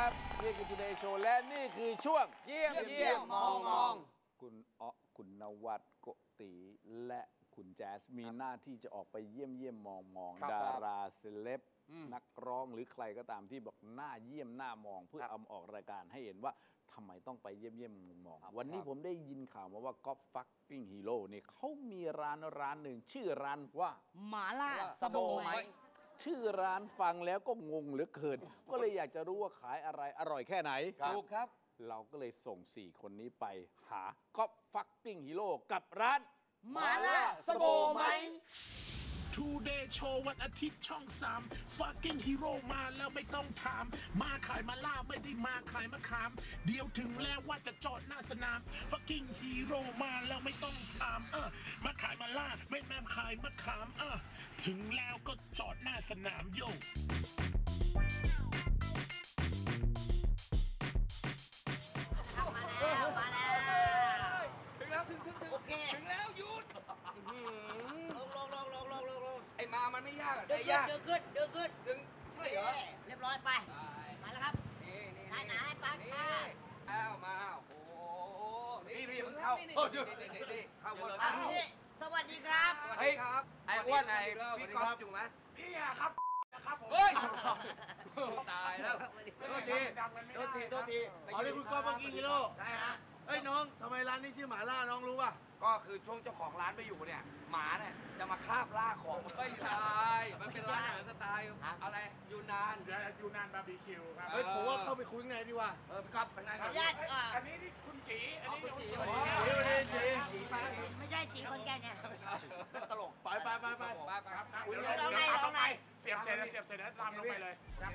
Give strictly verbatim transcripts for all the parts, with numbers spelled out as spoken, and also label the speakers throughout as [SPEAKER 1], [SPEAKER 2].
[SPEAKER 1] ครับนี่คือ Today Show และนี่คือช่วง
[SPEAKER 2] เยี่ยมเยี่ยมมองมอง
[SPEAKER 1] คุณอ๊อคุณนวัดโกติและคุณแจ๊สมีหน้าที่จะออกไปเยี่ยมเยี่ยมมองมองดาราเซเลบนักร้องหรือใครก็ตามที่บอกหน้าเยี่ยมหน้ามองเพื่อเอามาออกรายการให้เห็นว่าทำไมต้องไปเยี่ยมเยี่ยมมองมองวันนี้ผมได้ยินข่าวมาว่าก๊อฟฟักกิ้งฮีโร่เนี่ยเขามีร้านร้านหนึ่งชื่อร้านว่า
[SPEAKER 3] หมาล่าสโบไหม
[SPEAKER 1] ชื่อร้านฟังแล้วก็งงเหลือเกินก็เลยอยากจะรู้ว่าขายอะไรอร่อยแค่ไหน
[SPEAKER 2] ถูกครับ
[SPEAKER 1] เราก็เลยส่งสี่คนนี้ไปหาก๊อฟฟักกิ้งฮีโร่กับร้าน
[SPEAKER 3] หมาล่าสโบไหม
[SPEAKER 4] Today Show วันอาทิตย์ช่องสาม Fucking Hero มาแล้วไม่ต้องถามมาขายมาล่าไม่ได้มาขายมะขามเดี๋ยวถึงแล้วว่าจะจอดหน้าสนาม Fucking Hero มาแล้วไม่ต้องถามเออมาขายมาล่าไม่แม่ขายมะขามเออถึงแล้วก็จอดหน้าสนามโย
[SPEAKER 3] มาแล้วมาแล้ว
[SPEAKER 2] ถึงแล้วถึงถึงถึง
[SPEAKER 3] โอเค
[SPEAKER 2] ถึงแล้วหยุด
[SPEAKER 3] ลงลงลงลงลงลงลง
[SPEAKER 2] ไอ้มามันไม่ยากอะ
[SPEAKER 3] เดินขึ้นเดินขึ้นเดินขึ้น
[SPEAKER 2] ดึงใช่เหรอ
[SPEAKER 3] เรียบร้อยไปมาแล้วครับ
[SPEAKER 2] นี่นี่
[SPEAKER 3] ได้ไหนปังค่ะ
[SPEAKER 2] อ้าวมาโอ้นี่นี่มึงเข้านี่นี่นี่นี่เข้าหมดแล้ว
[SPEAKER 3] สวัสดีครับ
[SPEAKER 2] สวัสดีครับไอ้อ้วนไอ้พี่ก๊อฟอยู่ไหม
[SPEAKER 4] พี่อะครับนะครับผม
[SPEAKER 2] เฮ้ยตายแล้ว
[SPEAKER 4] โทษทีโทษทีโทษที
[SPEAKER 5] เอาเลยคุณก๊อฟเมื่อกี้กิโล
[SPEAKER 2] ได้ฮะ
[SPEAKER 5] เอ้ยน้องทำไมร้านนี้ชื่อหมาล่าน้องรู้ป่ะ
[SPEAKER 2] ก็คือช่วงเจ้าของร้านไปอยู่เนี่ยหมาเนี่ยจะมาคาบล่าของไม่ใช่มันเป็นร้านอาหารสไตล์อะไรยูนาน
[SPEAKER 4] ยูนานบาร์บีคิวครับ
[SPEAKER 5] เฮ้ยผมว่าเข้าไปคุยข้างในดีกว่า
[SPEAKER 2] เออพี่ก๊อฟเป็นไงครับ
[SPEAKER 4] อันนี้นี่คุณจีอันนี้คุณจี
[SPEAKER 2] สวัสดีครับจีจี
[SPEAKER 3] ไม่ใช่จีคนแก่เนี่ย
[SPEAKER 2] ตลก
[SPEAKER 5] ไปไปไปไป
[SPEAKER 4] ครับเดี๋ยวเราเอาไปเสียบเสร็จแล้วเสียบเสร็จแล้วตามลงไปเลยครับ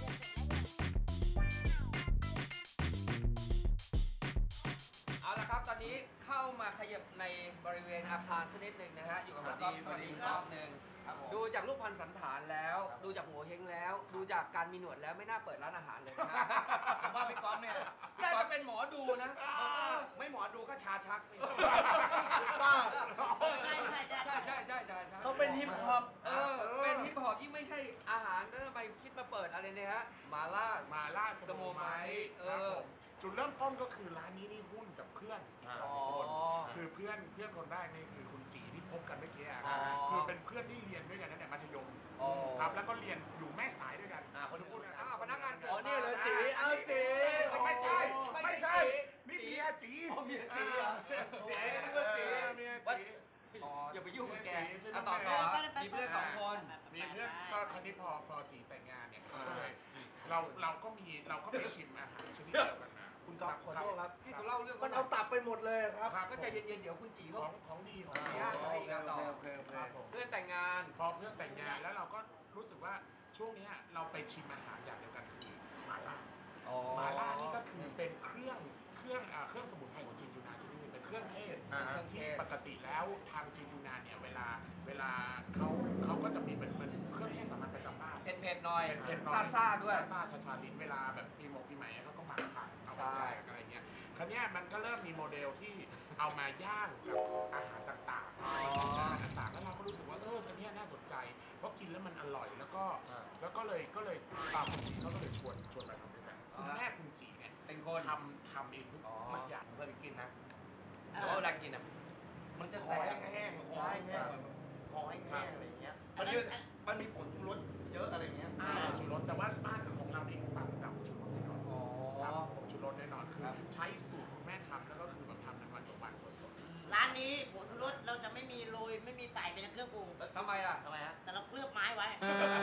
[SPEAKER 2] เอาละครับตอนนี้เข้ามาขยับในบริเวณอาคารสักนิดหนึ่งนะฮะอยู่กับพี่ก๊อฟสวัสดีรอบหนึ่งดูจากรูปพรรณสันฐานแล้วดูจากหัวเฮงแล้วดูจากการมีหนวดแล้วไม่น่าเปิดร้านอาหารเลยนะผมว่าพี่ก๊อฟเนี่ยน่าจะเป็นหมอดูนะไม่หมอดูก็ชาชัก
[SPEAKER 5] บ้า
[SPEAKER 3] ใช่ใช่
[SPEAKER 2] ใช่ใช่ใช่ใช่
[SPEAKER 5] เขาเป็นฮิปฮอป
[SPEAKER 2] เออเป็นฮิปฮอปยิ่งไม่ใช่อาหารแล้วทำไมคิดมาเปิดอะไรเนี่ยฮะมาล่า
[SPEAKER 4] มาล่า
[SPEAKER 2] สโมไมเออ
[SPEAKER 4] จุดเริ่มต้นก็คือร้านนี้นี่หุ้นกับเพื่อนอีกสองคนคือเพื่อนเพื่อนคนแรกนี่คือคุณจีที่พบกันเมื่อกี้ครับคือเป็นเพื่อนที่เรียนด้วยกันตั้งแต่มัธยมครับแล้วก็เรียนอยู่แม่สายด้วยกัน
[SPEAKER 2] คนที่พูดกันอ้าวพนักงานเสิร์ฟ
[SPEAKER 5] อ๋อนี่เลยจีเอาจี
[SPEAKER 4] ไม่ใช่ไม่ใช่นี่เมียจี
[SPEAKER 5] เมียจี
[SPEAKER 4] จีจีเมียจี
[SPEAKER 2] อย่าไปยุ่งกับแกต่อต่อมีเพื่อนสองคน
[SPEAKER 4] มีเพื่อนก็คราวนี้พอพอจีแต่งงานเนี่ยก็เลยเราเราก็มีเราก็ไปชิมอาหารชนิดเดียวกันนะ
[SPEAKER 5] คุณก๊อฟขอโทษครับ
[SPEAKER 2] ให้เขาเล่าเรื่อง
[SPEAKER 5] มันเอาตับไปหมดเลยครับ
[SPEAKER 2] ก็ใจเย็นๆเดี๋ยวคุณจี
[SPEAKER 4] ของของดีของดี
[SPEAKER 2] ให้กันต่อเพื่อนแต่งงาน
[SPEAKER 4] พอเพื่อนแต่งงานแล้วเราก็รู้สึกว่าช่วงนี้เราไปชิมอาหารอย่างเดียวกันคือหม่าล่าหม่าล่านี่ก็คือเป็นเครื่องเครื่องเครื่องสมุนไพรของจีนยูนานชนิดนึงเป็นเครื่องเทศที่ปกติแล้วทางจีนยูนานเนี่ยเวลาเวลาเขาเขาก็จะมีเป็นเป็นเครื่องเทศสามัญประจำบ้าน
[SPEAKER 2] เผ็ดๆหน่อย
[SPEAKER 4] เผ็ดๆหน่อย
[SPEAKER 2] ซ่าๆด้วย
[SPEAKER 4] ซ่าๆชาๆลิ้นเวลาแบบปีหมกปีใหม่เขาก็หมักผักเอาไปแจกอะไรเงี้ยคราวนี้มันก็เริ่มมีโมเดลที่เอามาย่างกับอาหารต่างๆอาหารต่างๆแล้วเราก็รู้สึกว่าเอออันนี้น่าสนใจเพราะกินแล้วมันอร่อยแล้วก็แล้วก็เลยก็เลยตามคุณจีเขาก็เลยชวนชวนมาทำด้วยกันคุณแม่คุณจีเนี่ย
[SPEAKER 2] เป็นคน
[SPEAKER 4] ทำทำเองทุกอย่าง
[SPEAKER 5] เคยไปกินนะ
[SPEAKER 2] แล้วเวลากินอ่ะมันจะ
[SPEAKER 5] คอแห้งๆคอแห้งๆคอแห้งๆอะไรอย่างเงี้ยมันมีมันมีผงชูรสเยอะอะไรเงี้ย
[SPEAKER 4] ชูรสแต่ว่าบ้านของเรานี่ปราศจากผงชูรสแน่นอนครับผงชูรสแน่นอนคือใช้สูตรคุณแม่ทำแล้วก็คือแบบทำในวันต่อวันสด
[SPEAKER 3] ๆร้านนี้ผงชูรสเราจะไม่มีโรยไม่มีใส่เป็นเครื่องปรุง
[SPEAKER 2] ทำไมอ่ะ
[SPEAKER 3] ทำไมฮะแต่เราเคลือบไม้ไว้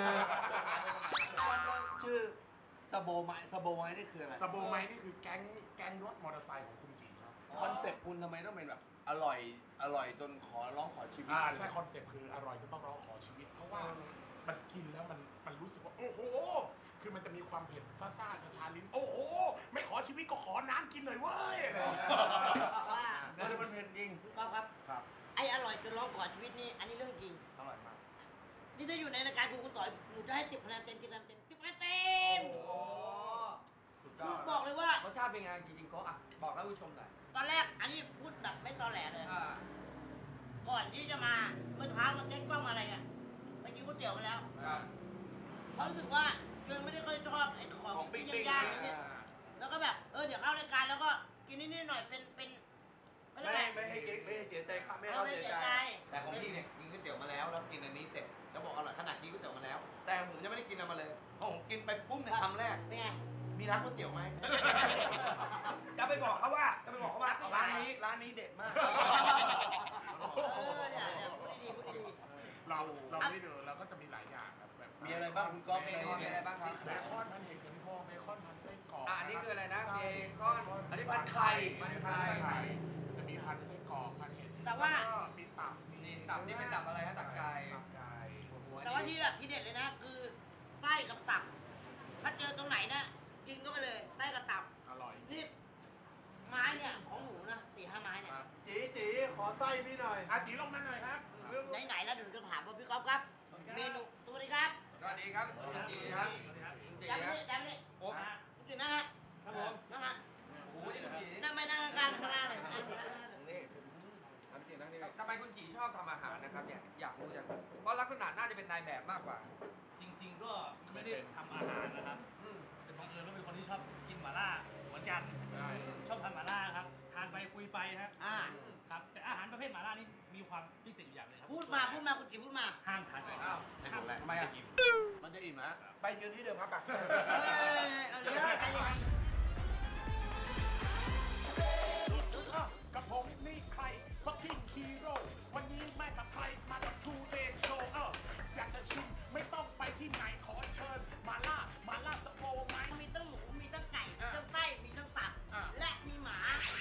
[SPEAKER 5] ชื่อสโบไม้สโบไม้นี่คืออะไร
[SPEAKER 4] สโบไม้นี่คือแก๊งแก๊งรถมอเตอร์ไซค์ของคุณจีครับ
[SPEAKER 5] คอนเซ็ปต์คุณทำไมต้องเป็นแบบอร่อยอร่อยจนขอร้องขอชีวิต
[SPEAKER 4] อ่าใช่คอนเซ็ปต์คืออร่อยจนต้องร้องขอชีวิตเพราะว่ามันกินแล้วมันมันรู้สึกว่าโอ้โหคือมันจะมีความเผ็ดซ่าซ่าชาชาลิ้นโอ้โหไม่ขอชีวิตก็ขอน้ำกินเลยเว้ย
[SPEAKER 3] ว่า
[SPEAKER 5] มันเผ็ดจริง
[SPEAKER 3] ก็ครับ
[SPEAKER 4] ครับ
[SPEAKER 3] ไออร่อยจนร้องขอชีวิตนี่อันนี้เรื่องจริง
[SPEAKER 5] อร่อยมาก
[SPEAKER 3] นี่ถ้าอยู่ในรายการคุณคุณต่อยหนูจะให้สิบคะแนนเต็มสิบคะแนนเต็มสิบคะแนนเต็ม
[SPEAKER 2] สุดยอด
[SPEAKER 3] บอกเลยว่าร
[SPEAKER 2] สชาติเป็นไงจริงๆก็อ่ะบอกท่านผู้ชมหน่อย
[SPEAKER 3] ตอนแรกอันนี้พูดแบบไม่ตอแหลเลยก่อนที่จะมาเมื่อเช้ามันเต้นกล้องอะไรอ่ะไปกินก๋วยเตี๋ยวมาแล้วเขารู้สึกว่าโยคือไม่ได้ค่อยชอบไอ้ของ
[SPEAKER 5] ของปิ้งๆ
[SPEAKER 3] ย่างๆ
[SPEAKER 5] อ่ะ
[SPEAKER 3] เนี่ยแล้วก็แบบเออเดี๋ยวเข้ารายการแล้วก็กินนิดๆหน่อยเป็นเป็น
[SPEAKER 5] ไม่ให้ไม่ให้เก๊กไม่ให้เสียใจครับไม่ให้เขาเสียใจ
[SPEAKER 6] แต่ของพี่เนี่ยกินก๋วยเตี๋ยวมาแล้วแล้วกินอันนี้เสร็จแล้วบอกอร่อยขนาดกินก๋วยเตี๋ยวมาแล้ว แต่ผมยังไม่ได้กินอะไรมาเลยพอผมกินไปปุ๊บในคำแรก
[SPEAKER 3] เป็นไง
[SPEAKER 6] มีร้านก๋วยเตี๋ยวไหม
[SPEAKER 5] จะไปบอกเขาว่าจะไปบอกเขาว่าร้านนี้ร้านนี้เด็ดมาก
[SPEAKER 3] เออเนี่ยเนี่ยพูดดีๆพูดดี
[SPEAKER 4] เราเราไม่เดินเราก็จะมีหลายอย่างครับแบบ
[SPEAKER 6] มีอะไรบ้างคุณก๊อฟ
[SPEAKER 2] เมนูมีอะไรบ้างครับ
[SPEAKER 4] เบคอนพันเห็ดเข็มทองเบคอนพันไส้กรอก
[SPEAKER 2] อ่ะอันนี้คืออะไรนะ
[SPEAKER 4] ไส้
[SPEAKER 2] เบคอน
[SPEAKER 5] อันนี้พันไข่
[SPEAKER 2] พันไข่
[SPEAKER 4] จะมีพันไส้กรอกพันเห็ด
[SPEAKER 3] แต่ว่า
[SPEAKER 4] ล้ก็มีตับ
[SPEAKER 2] นี่ตับนี่เป็นตับอะไรฮะตับไก่
[SPEAKER 4] ตับไก่
[SPEAKER 3] ๆแต่ว่าที่แบบที่เด็ดเลยนะคือไส้กับตับ ถ้าเจอตรงไหนนะกินก็ไปเลยไส้กับตับ
[SPEAKER 4] อร่อย
[SPEAKER 3] นี่ไม้เนี่ยของหนูนะสี่ห้าไม้เนี่ย
[SPEAKER 5] จีจีขอไส้พี่หน่อย
[SPEAKER 4] อาจีลงมาหน่อยครับ
[SPEAKER 3] ไหนๆแล้วเดี๋ยวจะถามว่าพี่ก๊อฟครับ เมนูสวัสดีครับ
[SPEAKER 2] สวัสดีครับคุณจีครับคุณจี
[SPEAKER 3] จำ
[SPEAKER 2] ครับ
[SPEAKER 3] นี่จำนี่
[SPEAKER 2] โอ้
[SPEAKER 3] คุณจีนั่งฮะ
[SPEAKER 2] ครับผม
[SPEAKER 3] นั่งฮะ
[SPEAKER 2] โอ้โหนี่คุณจี
[SPEAKER 3] นั่งไม่นั่งกลางข้างล่างเลยนั่งข้างล่างเลย
[SPEAKER 6] นี่ทำจริงนั่งนี่
[SPEAKER 2] ทำไมคุณจีชอบทำอาหารนะครับเนี่ยอยากรู้จังเพราะลักษณะน่าจะเป็นนายแบบมากกว่า
[SPEAKER 7] จริงๆ ก็ไม่ได้ทำอาหารนะครับ
[SPEAKER 2] อืม
[SPEAKER 7] แต่บังเอิญว่าเป็นคนที่ชอบกินหม่าล่าเหมือนกัน ชอบทานหม่าล่าครับ ทานไปคุยไปฮะ
[SPEAKER 3] อ่า
[SPEAKER 7] ครับ แต่อาหารประเภทหม่าล่านี่มีความพิเศษอยู่อย่างหนึงครับ
[SPEAKER 3] พูดมาพูดมาคุณจีพูดมา
[SPEAKER 7] ห้ามทานก่อน
[SPEAKER 2] อ้าว
[SPEAKER 6] ในของแรก
[SPEAKER 2] ทำไมอ่ะ
[SPEAKER 6] มันจะอิ่มนะ
[SPEAKER 5] ไปยืนที่เดิมครับไป
[SPEAKER 3] เอ้ยเอาเดี๋ยวใจเย็น
[SPEAKER 4] อ่ะกับผมนี่ใคร fucking hero วันนี้แม่กับใครมากับ Today Show เอออยากจะชิมไม่ต้องไปที่ไหนขอเชิญมาล่ามาล่าสโปไหม
[SPEAKER 3] มีตั้งหมู มีตั้งไก่ มีตั้งไส้ มีตั้งตับ
[SPEAKER 4] อ่ะ
[SPEAKER 3] และมีหมา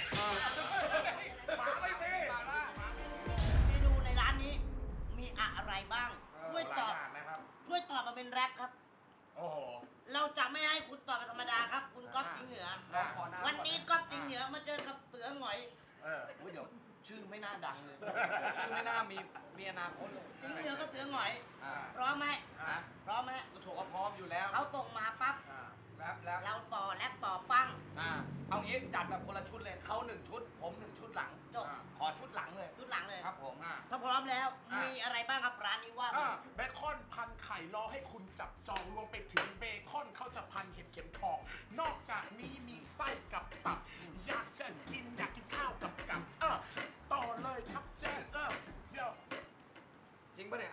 [SPEAKER 4] หมาไม่มี
[SPEAKER 2] มาล่า
[SPEAKER 3] เมนูในร้านนี้มีอะไรบ้าง ช่วย
[SPEAKER 4] หลา
[SPEAKER 3] ต
[SPEAKER 4] ย
[SPEAKER 3] อบ
[SPEAKER 4] อย่างนะครับ
[SPEAKER 3] ช่วยตอบมาเป็นแรปครับ
[SPEAKER 4] โอ้โห
[SPEAKER 3] เราจะไม่ให้คุณตอบเป็นธรรมดาครับ คุณก๊อฟจิงเหนือ
[SPEAKER 2] อ่ะขอน้ำ
[SPEAKER 3] วันนี้ก๊อฟจิงเหนือมาเจอกับเสือหงอย
[SPEAKER 4] เออ
[SPEAKER 6] โอ้ยเดี๋ยวชื่อไม่น่าดังเลย ชื่อไม่น่ามีมีอนาคตเลย
[SPEAKER 3] จิงเหนือกับเสือหงอย
[SPEAKER 6] อ่า
[SPEAKER 3] พร้อมไหม
[SPEAKER 6] ฮะ
[SPEAKER 3] พร้อมไหม
[SPEAKER 6] ก็ถูกว่าพร้อมอยู่แล้ว
[SPEAKER 3] เขาตรงมาปั๊บ
[SPEAKER 4] อ่า
[SPEAKER 2] แล้วแล้ว
[SPEAKER 3] เราต่อแรปต่อปั้ง
[SPEAKER 6] อ่าเอางี้จัดแบบคนละชุดเลยเขาหนึ่งชุด ผมหนึ่งชุดหลัง
[SPEAKER 3] จบ
[SPEAKER 4] อ่า
[SPEAKER 6] ขอชุดหลังเลย
[SPEAKER 3] ชุดหลังเลย
[SPEAKER 6] ครับผม
[SPEAKER 4] อ่า
[SPEAKER 3] ถ้าพร้อมแล้ว
[SPEAKER 4] อ่ะ
[SPEAKER 3] มีอะไรบ้างครับร้านนี้ว่า
[SPEAKER 4] อ่า
[SPEAKER 3] มา
[SPEAKER 4] เบคอนพันไข่รอให้คุณจับจองรวมไปถึงเบคอนเขาจะพันเห็ดเข็มทอง นอกจากนี้มีไส้กับตับ อยากจะกินอยากกินข้าวกับกับเออต่อเลยครับแจ๊สเออเดี๋ยว
[SPEAKER 5] จริงปะเนี่ย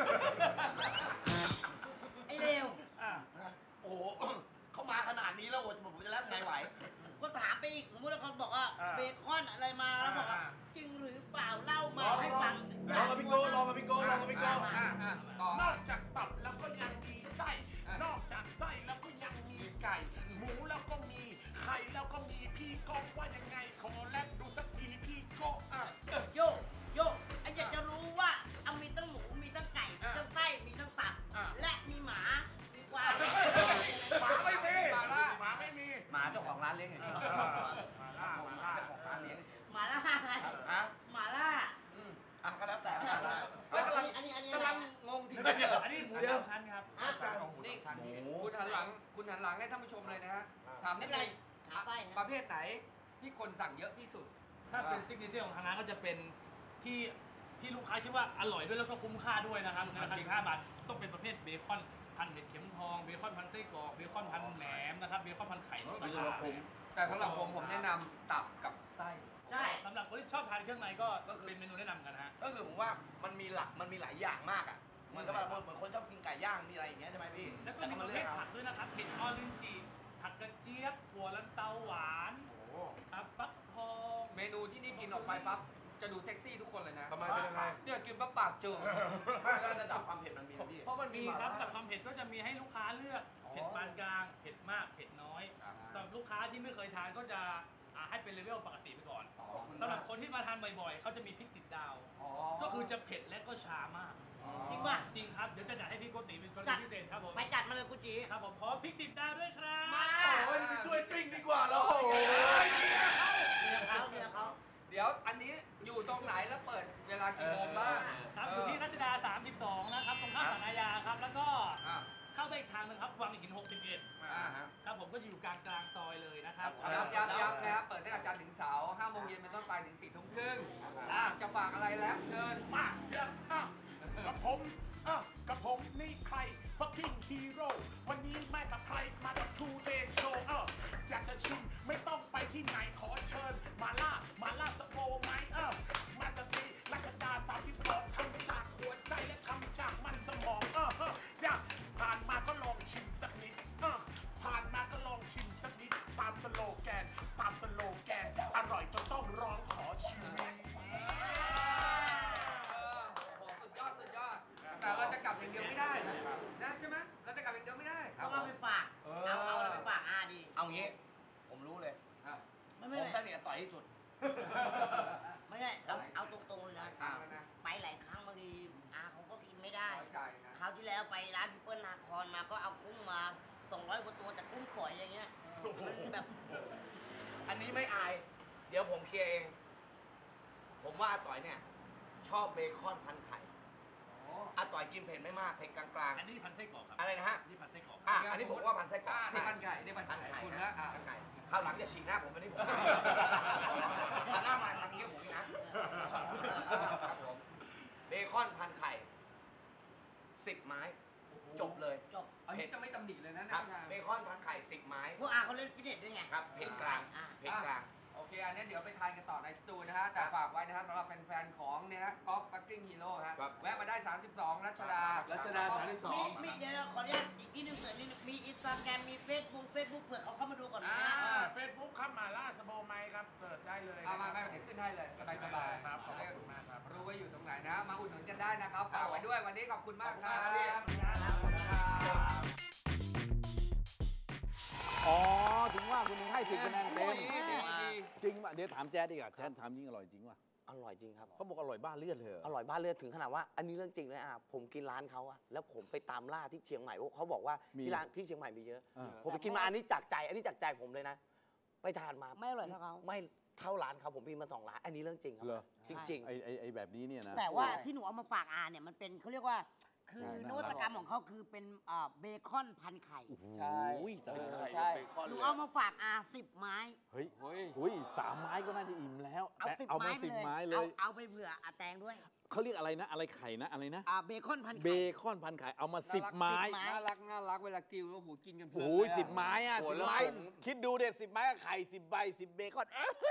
[SPEAKER 3] ไอ้เลว
[SPEAKER 4] อ่า
[SPEAKER 6] โอ้โห เขามาขนาดนี้แล้วโอ้โหผมจะรับไงไหว
[SPEAKER 3] ก็ถามไปอีกสมมติว่าเขาบอกว่า
[SPEAKER 4] อ่า
[SPEAKER 3] เบคอนอะไรมาแล้วบอกว่า
[SPEAKER 4] อ่า
[SPEAKER 3] จริงหรือเปล่าเล่ามา
[SPEAKER 5] ลอง
[SPEAKER 3] ให้ฟัง
[SPEAKER 5] ลองกับพี่โก้ลองกับพี่โก้ลองกับพี่โก้
[SPEAKER 4] อ่า
[SPEAKER 2] อ่ะต่อน
[SPEAKER 4] อกจากตับแล้วก็ยังมีไส้ นอกจากไส้แล้วก็ยังมีไก่ หมูแล้วก็มีไข่แล้วก็มีพี่ก้องว่ายังไงขอแลบดูสักทีพี่โก้อ่ะ
[SPEAKER 3] โยโยไอ้อยากจะรู้ว่าเอามีตั้งหมูมีตั้งไก่มีตั้งไส้มีตั้งตับ
[SPEAKER 4] อ่ะ
[SPEAKER 3] และมีหมามีกวาง
[SPEAKER 4] หมาไม่มี
[SPEAKER 2] มาล่า
[SPEAKER 4] หมาไม่มี
[SPEAKER 6] หมาเจ้าของร้านเลี้ยงไง
[SPEAKER 4] เออมาล่า
[SPEAKER 6] ผม
[SPEAKER 4] มา
[SPEAKER 6] หมา
[SPEAKER 4] ล่า
[SPEAKER 6] เจ้าของร้านเลี้ยง
[SPEAKER 3] หมาล่าไง
[SPEAKER 6] ฮะ
[SPEAKER 3] หมาล่า
[SPEAKER 2] อืม
[SPEAKER 6] อ่ะก็แล้วแต่
[SPEAKER 3] เฮ้ยกำลังอันนี้อันนี้
[SPEAKER 2] กำลังงงทีเดียว
[SPEAKER 7] อันนี้หมูสามชั้นครับ
[SPEAKER 3] อ่ะ
[SPEAKER 4] จานของหมูสามชั้น
[SPEAKER 6] หมู
[SPEAKER 2] คุณหันหลัง คุณหันหลังให้ท่านผู้ชมเลยนะฮะ ถาม
[SPEAKER 3] ไม่
[SPEAKER 2] นิด
[SPEAKER 3] เป็นไร
[SPEAKER 2] นึง
[SPEAKER 3] หาไป
[SPEAKER 2] ประเภทไหนที่คนสั่งเยอะที่สุด
[SPEAKER 7] ถ้าเป็นซิกเนเจอร์ของทางร้านก็จะเป็นที่ที่ลูกค้าคิดว่าอร่อยด้วยแล้วก็คุ้มค่าด้วยนะครับในราคาสิบห้าบาทต้องเป็นประเภทเบคอนพันเห็ดเข็มทองเบคอนพันไส้กรอกเบคอนพันแหนมนะครับเบคอนพันไข่นกกระทา
[SPEAKER 2] แต่สำหรับผมผมแนะนำตับกับไส้
[SPEAKER 3] ใช่
[SPEAKER 7] สำหรับคนที่ชอบทานเครื่องในก็เป็นเมนูแนะนำกันฮะ
[SPEAKER 6] ก็คือผมว่ามันมีหลักมันมีหลายอย่างมากอ่ะเหมือนกับแบบเหมือนคนชอบกินไก่ย่างมีอะไรอย่างเงี้ยใช่ไหมพี่
[SPEAKER 7] แล้วก็
[SPEAKER 6] แต่
[SPEAKER 7] มี
[SPEAKER 6] ก็
[SPEAKER 7] ป
[SPEAKER 6] มา
[SPEAKER 7] ระ
[SPEAKER 6] เลื
[SPEAKER 7] เภ
[SPEAKER 6] อก
[SPEAKER 7] ท
[SPEAKER 6] เอา
[SPEAKER 7] ผักด้วยนะครับเห็ดออรินจิผักกระเจี๊ยบหัวลันเตาหวาน
[SPEAKER 4] โอ้โห
[SPEAKER 7] ครับฟักทอง
[SPEAKER 2] เมนูที่นี่กินออกไปปั๊บจะดูเซ็กซี่ทุกคนเลยนะ
[SPEAKER 5] ทำไมเป็นยังไง
[SPEAKER 2] เนี่ยกินปั๊บปากเจอ
[SPEAKER 6] ไม่แล้วระดับความเผ็ดมันมีนะพี่
[SPEAKER 2] เพราะมันมี
[SPEAKER 7] มีครับ
[SPEAKER 2] หา
[SPEAKER 7] แต่ความเผ็ดก็จะมีให้ลูกค้าเลือก
[SPEAKER 2] อ๋อ
[SPEAKER 7] เผ็ดปานกลางเผ็ดมากเผ็ดน้อย
[SPEAKER 2] อ่า
[SPEAKER 7] สำหรับลูกค้าที่ไม่เคยทานก็จะอ่าให้เป็นเลเวลปกติไปก่อน
[SPEAKER 2] อ๋อ
[SPEAKER 7] สำหรับคนที่มาทานบ่อยๆเขาจะมีพริกติดดาว
[SPEAKER 2] อ๋อ
[SPEAKER 7] ก็คือจะเผ็ดและก็ชามาก
[SPEAKER 2] อ๋อ
[SPEAKER 3] จริงป่ะ
[SPEAKER 7] จริงครับเดี๋ยวจะจัดให้พี่โกติเป็นกร
[SPEAKER 3] จั
[SPEAKER 7] ณี
[SPEAKER 3] ด
[SPEAKER 7] พิเศษครับผม
[SPEAKER 3] ไปจัดมาเลยคุณจี
[SPEAKER 7] ครับผมขอพริกติดดาวด้วยครับ
[SPEAKER 3] มา
[SPEAKER 5] โอ้ยไปช่วยปิ้งดีกว่าเราโอ้โห
[SPEAKER 3] เดี๋ยวเขาเดี๋ยวเขา
[SPEAKER 2] เดี๋ยวอันนี้อยู่ตรงไหนแล้วเปิดเวลากี่โมงบ้าง
[SPEAKER 7] ครับอยู่ที่รัชดาสามสิบสองนะครับตรงข้ามศาลอาญาครับแล้วก็
[SPEAKER 2] อ่า
[SPEAKER 7] เข้าได้อีกทางหนึงครับวังหินหกสิบเอ็ด
[SPEAKER 2] อ่าฮะ
[SPEAKER 7] ครับผมก็อยู่กลางกลางๆซอยเลยนะครับ
[SPEAKER 2] ย้ำย้ำย้ำนะครับเปิดตั้งแต่จันทร์ถึงเสาร์ห้าโมงเย็นเป็นต้นไปถึงสี่ทุ่มครึ่งอ่าจะฝากอะไรแล้วเชิญ
[SPEAKER 4] มาเดี๋ยวอ่ะกับผมอ่ะกับผมนี่ใคร fucking hero วันนี้แม่กับ
[SPEAKER 5] อยที่สุด
[SPEAKER 3] ไม่ใช่เอาเอาตรงๆเลยนะ
[SPEAKER 2] อ่าแล้วนะ
[SPEAKER 3] ไปหลายครั้งบางทีอาเขาก็กินไม่ได้
[SPEAKER 2] เข้าใจนะ
[SPEAKER 3] คราวที่แล้วไปร้านพิเปิลนาครมาก็เอากุ้งมาสองร้อยกว่าตัวแต่กุ้งฝอยอย่างเงี้ยมันแบบ
[SPEAKER 6] อันนี้ไม่อาย เดี๋ยวผมเคลียร์เอง ผมว่าอาต่อยเนี่ย ชอบเบคอนพันไข่อาต่อยกินเผ็ดไม่มากเผ็ดกลาง
[SPEAKER 7] อันนี้พันไส้กรอกครับ
[SPEAKER 6] ๆอะไรนะฮะ
[SPEAKER 7] นี่พันไส้กรอก
[SPEAKER 6] อ่ะอันนี้ผมว่าพันไส้กรอก
[SPEAKER 2] อ่านี่พันไก่นี่พัน
[SPEAKER 6] พัน
[SPEAKER 2] ไก่
[SPEAKER 6] ไข่
[SPEAKER 2] คุณ
[SPEAKER 6] นะ
[SPEAKER 2] นะอ่า
[SPEAKER 6] พันไก่คราวหลังจะฉีกหน้าผมวันนี้ผมหันหน้ามาทำอย่างนี้ผมนี่นะครับผมเบคอนพันไข่สิบไม้ จบเลย
[SPEAKER 3] จบ
[SPEAKER 2] อันนี้จะไม่ตำหนิเลยนะครับ
[SPEAKER 6] เบคอนพันไข่สิบไม้
[SPEAKER 3] พวกอาเขาเล่นฟิตเนสด้วยไง
[SPEAKER 6] ครับเผ็ดกลาง
[SPEAKER 3] อ่า
[SPEAKER 6] เผ็ดกลาง
[SPEAKER 2] โอเค อันนี้เดี๋ยวไปทานกันต่อในสตูนะฮะ แต่ฝากไว้นะฮะสำหรับแฟนๆ ของเนี่ยฮะก๊อฟฟักกิ้งฮีโร่ฮะ
[SPEAKER 6] ครับ
[SPEAKER 2] แวะมาได้ สามสิบสอง รัชดา
[SPEAKER 5] รัชดาสามสิบสอง
[SPEAKER 3] มีมีเดี๋ยวเราขออนุญาตอีกนิดนึงเผื่อนิดนึงมีอินสตาแกรมมีเฟซบุ๊กเฟซบุ๊กเผื่อเขาเข้ามาดูก่อนนะ
[SPEAKER 4] เฟซบุ๊กครับมาล่าสโบไมครับเสิร์ชได้เลย
[SPEAKER 2] เอามาไม่เดี๋ยวขึ้นให้เลยสบายสบายๆ
[SPEAKER 4] ครับขอบคุณมากครับ
[SPEAKER 2] รู้ว่าอยู่ตรงไหนนะ มาอุดหนุนกันได้นะครับ ฝากไว้ด้วยวันนี้ขอบคุณมากครับ
[SPEAKER 6] ขอบคุณมากครับพี่
[SPEAKER 1] อ๋อ ถึงว่าคุณถึงให้สิบคะแนนเต็ม
[SPEAKER 2] ดีดีดี
[SPEAKER 1] จริงป่ะ เดี๋ยวถามแจ๊ดดีกว่าแจ๊ดถามจริงอร่อยจริงป่ะ
[SPEAKER 8] อร่อยจริงครับ
[SPEAKER 1] เขาบอกอร่อยบ้าเลือดเลยเหรอ
[SPEAKER 8] อร่อยบ้านเลือดถึงขนาดว่า อันนี้เรื่องจริงเลยอ่ะผมกินร้านเขาอะแล้วผมไปตามล่าที่เชียงใหม่เพราะเขาบอกว่าที่ร้านที่เชียงใหม่มีเยอะ
[SPEAKER 1] อ่า
[SPEAKER 8] ผมไปกินมาอันนี้จากใจ อันนี้จากใจผมเลยนะ ไปทานมา
[SPEAKER 3] ไม่อร่อยเท่าเขา
[SPEAKER 8] ไม่เท่าร้านเขาผมกินมาสองร้าน อันนี้เรื่องจริงครับ
[SPEAKER 1] เหรอ
[SPEAKER 8] จริง
[SPEAKER 1] ไอ้ไอ้ไอ้แบบนี้เนี่ยนะ
[SPEAKER 3] แต่ว่าที่หนูเอามาฝากอาเนี่ยมันเป็นเขาเรียกว่า คือ
[SPEAKER 1] ใช่
[SPEAKER 3] นวัตกรรมของเขาคือเป็นอ่าเบคอนพันไข่
[SPEAKER 2] ใช่
[SPEAKER 1] อุ้ยแต่ละ
[SPEAKER 2] ใช่
[SPEAKER 3] หนูเอามาฝากอาสิบไม้
[SPEAKER 1] เฮ้ย
[SPEAKER 2] เฮ้ย
[SPEAKER 1] อุ้ยสามไม้ก็น่าจะอิ่มแล้ว
[SPEAKER 3] เอา
[SPEAKER 1] แต่
[SPEAKER 3] สิบ
[SPEAKER 1] เอา
[SPEAKER 3] ไม้
[SPEAKER 1] มา
[SPEAKER 3] ไป
[SPEAKER 1] สิบ
[SPEAKER 3] เลย
[SPEAKER 1] ไม้เล
[SPEAKER 3] เอา
[SPEAKER 1] ย
[SPEAKER 3] เอาไปเผื่ออาแตงด้วย
[SPEAKER 1] เขาเรียกอะไรนะ อะไรไข่นะ อะไรนะ
[SPEAKER 3] อ่าเบคอนพัน
[SPEAKER 1] เบ
[SPEAKER 3] ไข่
[SPEAKER 1] คอนพันไข่ เอามาสิบไม้
[SPEAKER 3] สิบไม้
[SPEAKER 2] น่ารักน่ารักเวลากินแล้วโหกินกันเพลิน
[SPEAKER 1] โอ้ย
[SPEAKER 2] เลอะ
[SPEAKER 1] สิบไม้อะ
[SPEAKER 2] โห
[SPEAKER 1] สิบ
[SPEAKER 2] แล้ว
[SPEAKER 1] ไม้
[SPEAKER 2] คุณ
[SPEAKER 1] คิดดูเด็ดสิบไม้กับไข่สิบใบสิบเบคอน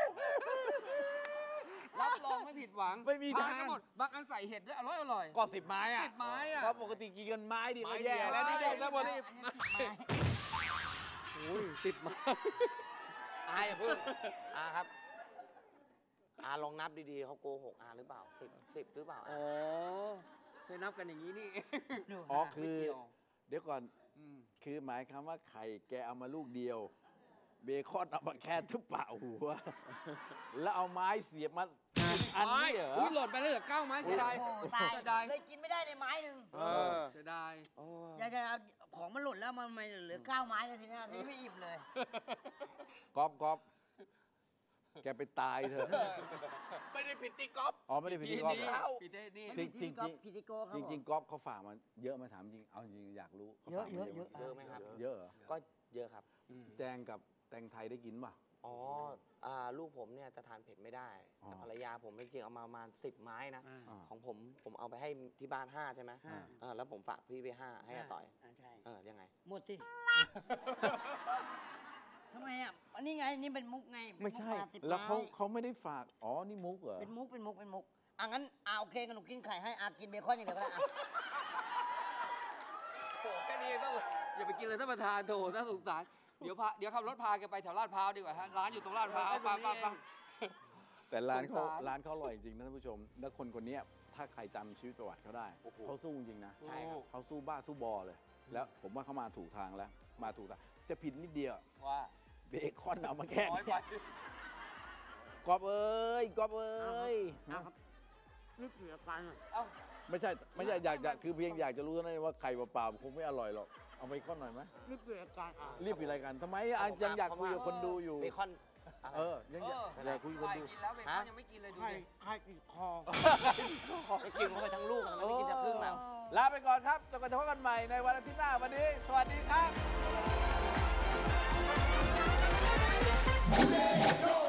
[SPEAKER 2] รับรองไม่ผิดหวัง
[SPEAKER 1] ไม่มี
[SPEAKER 2] ทาน
[SPEAKER 1] ทาง
[SPEAKER 2] กันหมดบางอันใส่เห็ดด้วยอร่อยอร่อย
[SPEAKER 1] ก็สิบไม้อะ
[SPEAKER 2] สิบไม้อะ
[SPEAKER 1] เพราะปกติกินกันไม้เดียวก็
[SPEAKER 2] ไม้
[SPEAKER 1] แย่
[SPEAKER 2] เดียว
[SPEAKER 1] แล้วนี่
[SPEAKER 2] ใช่
[SPEAKER 1] ได้แล้วหมดนี่
[SPEAKER 3] อันนี้สิบไม้
[SPEAKER 8] ๆโอ้ยสิบมาอาอย่าเพิ่งอาครับ อาลองนับดีๆเขาโกหกอาหรือเปล่าสิบสิบหรือเปล่า
[SPEAKER 2] อ๋อใช้นับกันอย่างนี้นี่
[SPEAKER 1] อ๋อคือ
[SPEAKER 2] ไม่เกี่ยว
[SPEAKER 1] เดี๋ยวก่อน
[SPEAKER 2] อืม
[SPEAKER 1] คือหมายคำว่าไข่แกเอามาลูกเดียว เบคอนเอามาแค่ทุบเปล่าหัว แล้วเอาไม้เสียบมาอันนี้เหรอ
[SPEAKER 2] อุ้ยหล่นไปแล้วเหลือเก้าไม้เสียดาย
[SPEAKER 3] โอ้โหตาย
[SPEAKER 2] เสียดาย
[SPEAKER 3] เลยกินไม่ได้เลยไม้หนึ่ง
[SPEAKER 1] เออ
[SPEAKER 2] เสียดาย
[SPEAKER 3] อยากจะเอาของมันหล่นแล้วมันไม่เหลือเก้าไม้เลยทีเนี้ยทีนี้ไม่อิ่มเลย
[SPEAKER 1] ก๊อฟก๊อฟแกไปตายเถอะ
[SPEAKER 6] ไม่ได้ผิดที่ก๊อฟ
[SPEAKER 1] อ๋อไม่ได้ผิดที่ก๊อฟ
[SPEAKER 2] นี่
[SPEAKER 1] เหรอ
[SPEAKER 2] พี่เต้นี่
[SPEAKER 1] จริงจริงจริง
[SPEAKER 3] พิธีโกเขา
[SPEAKER 1] จ
[SPEAKER 3] บอก
[SPEAKER 1] ริงๆก๊อฟเขาฝากมาเยอะไหมาถามจริง เอาจริงอยากรู้ขา
[SPEAKER 3] เยอะ
[SPEAKER 1] ฝากมา
[SPEAKER 3] เยอะ
[SPEAKER 8] เยอะไหมครับ
[SPEAKER 1] เยอะเหรอ
[SPEAKER 8] ก็เยอะครับ
[SPEAKER 1] แจงกับแตงไทยได้กินป่ะ
[SPEAKER 8] อ๋ออ่าลูกผมเนี่ยจะทานเผ็ดไม่ได้
[SPEAKER 1] อ๋อ
[SPEAKER 8] แต่ภรรยาผมจริงๆเอามาประมาณสิบไม้นะ
[SPEAKER 1] อ่า
[SPEAKER 8] ของผมผมเอาไปให้ที่บ้านห้าใช่ไหม
[SPEAKER 3] ห้า
[SPEAKER 8] เออแล้วผมฝากพี่ไปห้าให้อาต่อย
[SPEAKER 3] อ่าใช่
[SPEAKER 8] เออยังไง
[SPEAKER 3] หมดที่ ทำไมอ่ะอันนี้ไงนี่เป็นมุกไงเป็น
[SPEAKER 1] ไม่
[SPEAKER 3] มุก
[SPEAKER 1] ใช่
[SPEAKER 3] าสิบ
[SPEAKER 1] แล้วเขา
[SPEAKER 3] ไม้
[SPEAKER 1] เขาไม่ได้ฝาก อ๋อ นี่มุกเหรอ
[SPEAKER 3] เป็นมุกเป็นมุกเป็นมุกอ่ะงั้นอ่ะโอเคกันหนูกินไข่ให้อากินเบคอนอย่างเดียวก็ได้อ่ะ
[SPEAKER 2] โอ้แค่นี้เองต้องอย่าไปกินเลยท่านประธานโถน่าสงสารเดี๋ยวพาเดี๋ยวขับรถพาแกไปแถวลาดพร้าวดีกว่าฮะร้านอยู่ตรงลาดพร้าวไปไปไป
[SPEAKER 1] แต่ร้านเขา
[SPEAKER 2] สงสาร
[SPEAKER 1] ร้านเขาอร่อยจริงนะท่านผู้ชม แล้วคนคนเนี้ยถ้าใครจำชีวิตประวัติเขาได้ เขาสู้จริงนะ
[SPEAKER 8] ใช่ครับ
[SPEAKER 1] เขาสู้บ้าสู้บอเลย แล้วผมว่าเขามาถูกทางแล้ว มาถูกทาง จะผิดนิดเดียว
[SPEAKER 2] ว่า
[SPEAKER 1] เบคอนเอามาแค่
[SPEAKER 2] น้อยไป
[SPEAKER 1] กอบเอ้ยกอบเอ้ย
[SPEAKER 3] เอาครับนึกเสียกันอ่ะ
[SPEAKER 2] เอ้า
[SPEAKER 1] ไม่ใช่ ไม่ใช่อยากจะคือเพียงอยากจะรู้เท่านั้นว่าไข่เปล่าๆคงไม่อร่อยหรอก เอาเบคอนหน่อยไหม
[SPEAKER 3] นึกเสียกันอ่ะ
[SPEAKER 1] รีบปิดรายการทำไมอ่ะยังอยากคุยกับคนดูอยู่
[SPEAKER 8] เบคอนอะไร
[SPEAKER 1] เออ ยังอยากอยากคุยกับคนดู
[SPEAKER 2] กินแล้วเบคอนยังไม่กินเลยดู
[SPEAKER 3] ไข่
[SPEAKER 2] ดิ
[SPEAKER 3] ไข่ติดคอ
[SPEAKER 8] ไม่กินเข้าไปทั้งลูกอะมันไม่ได้กินแต่ครึ่งแล้ว
[SPEAKER 1] ลาไปก่อนครับจนกว่าจะพบกันใหม่ในวันอาทิตย์หน้าวันนี้ สวัสดีครับ